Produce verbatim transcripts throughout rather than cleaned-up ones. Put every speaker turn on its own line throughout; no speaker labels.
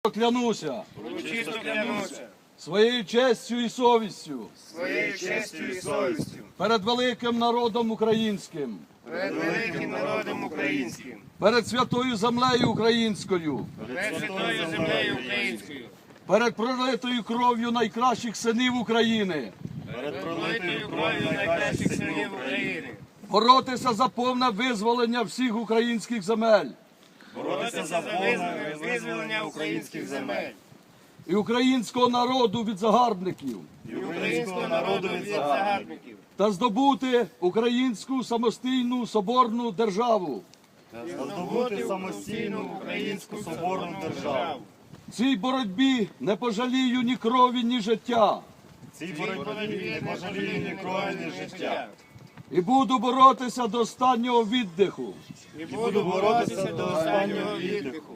Клянуся
Урочисто клянуся
своєю честю і совістю
своєю честю і совістю
перед великим народом українським,
перед великим народом українським,
перед святою землею українською,
перед святою землею українською,
перед пролитою кров'ю найкращих синів України,
перед пролитою кров'ю найкращих синів України,
боротися за повне визволення всіх українських земель
боротися за повне визволення українських земель
і українського народу від загарбників
і українського народу від загарбників,
та здобути українську самостійну соборну державу.
здобути самостійну українську соборну державу.
В цій боротьбі не пожалію ні крові, ні життя.
Цій боротьбі не пожалію ні крові, ні життя.
І буду боротися до останнього віддиху.
І буду боротися до останнього віддиху.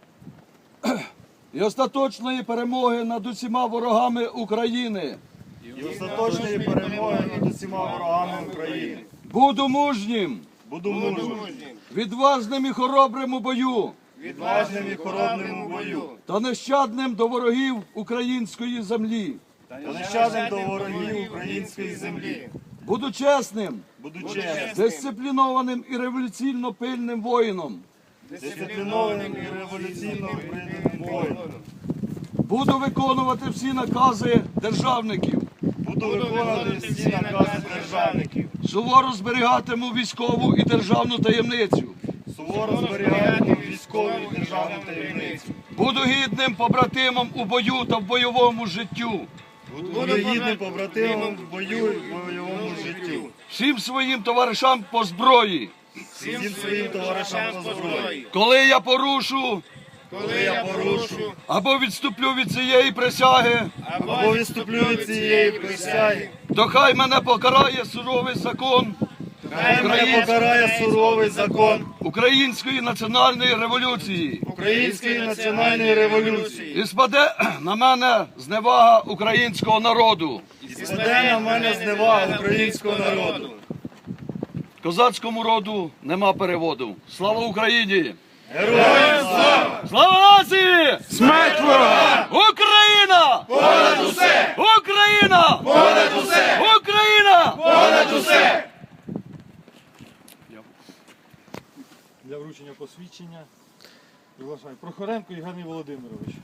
І остаточної перемоги над усіма ворогами України.
І остаточної перемоги над усіма ворогами України.
Буду мужнім,
Буду мужнім,
відважним і хоробрим у бою
відважним і хоробним у бою.
та нещадним до ворогів української землі.
Та нещадним до ворогів української землі.
Буду чесним,
Буду чесним,
дисциплінованим і революційно пильним воїном.
дисциплінованим і революційно прийнятим воїном.
Буду виконувати всі накази державників.
Буду виконувати всі накази державників.
Суворо зберігатиму військову і державну таємницю.
Суворо зберігати військову і державну таємницю.
Буду гідним побратимом у бою та в бойовому життю.
Буду гідним побратимом в бою і в бойовому життю.
Всім своїм товаришам по зброї.
Всім своїм товаришам по зброї.
Коли я порушу
Коли я порушу
або відступлю від цієї присяги,
або відступлю від цієї присяги,
то хай мене покарає суровий закон
хай мене покарає суровий закон
Української національної революції.
Української національної революції.
І спаде на мене зневага українського народу.
І спаде на мене зневага українського народу.
Козацькому роду нема переводу. Слава Україні!
Героям слава!
Слава нації!
Смерть ворога!
Україна!
Понад усе!
Україна!
Понад усе!
Україна!
Понад усе!
Для вручення посвідчення приглашаю Прохоренко Євгеній Володимирович.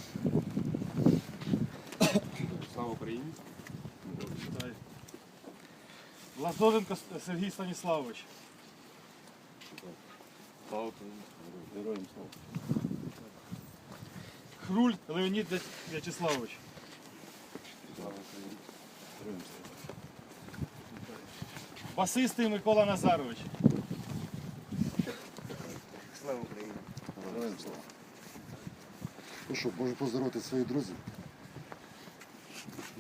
Слава Україні! Вітаю. Лазоренко Сергій Станіславович.
Слава Україні! Героям слава!
Хруль Леонід В'ячеславович.
Слава Україні! Героям слава!
Басистий Микола Назарович.
Слава Україні!
Героям слава!
Ну що, можу поздоровити своїх друзів.